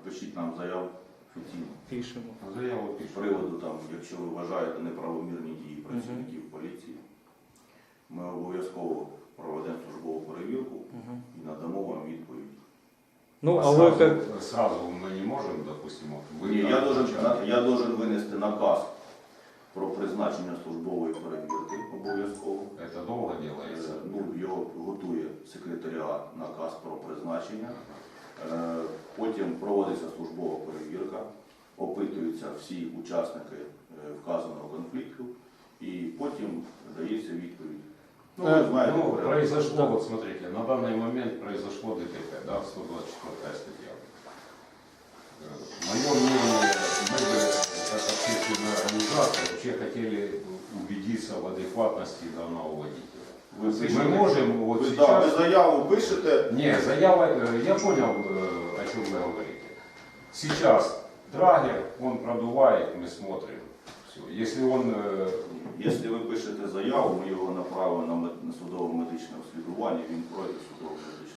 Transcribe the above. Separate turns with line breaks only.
пишіть нам заяву офіційно.
Пишемо.
Заяву
З
пишемо.
приводу, там, якщо ви вважаєте неправомірні дії працівників поліції, ми обов'язково проведемо службову перевірку і надамо вам відповідь.
Ну, а ви як...
Сразу мы не можем, допустим, вот
Ні,
вы...
я должен винести наказ про призначення службової перевірки обов'язково.
Это долго делается.
Ну, його готує секретаріат, наказ про призначення. Потім проводиться службова перевірка, опитуються всі учасники вказаного конфликту і потім дається відповідь. Ну, ви знаєте,
Ну,
порядок.
произошло, вот смотрите, на данный момент произошло ДТП, да, 124 статья. Мое мнение, мы бы, как общественная организация, вообще хотели убедиться в адекватности данного водителя.
Ви пишете,
Мы можем вот
ви,
сейчас...
ви заяву пишете.
Не, заява, я понял, о чем вы говорите. Сейчас драгер, он продувает, мы смотрим. Все. Если он...
Якщо ви пишете заяву, ми його направимо на судово-медичне обслідування, він пройде судово-медичне.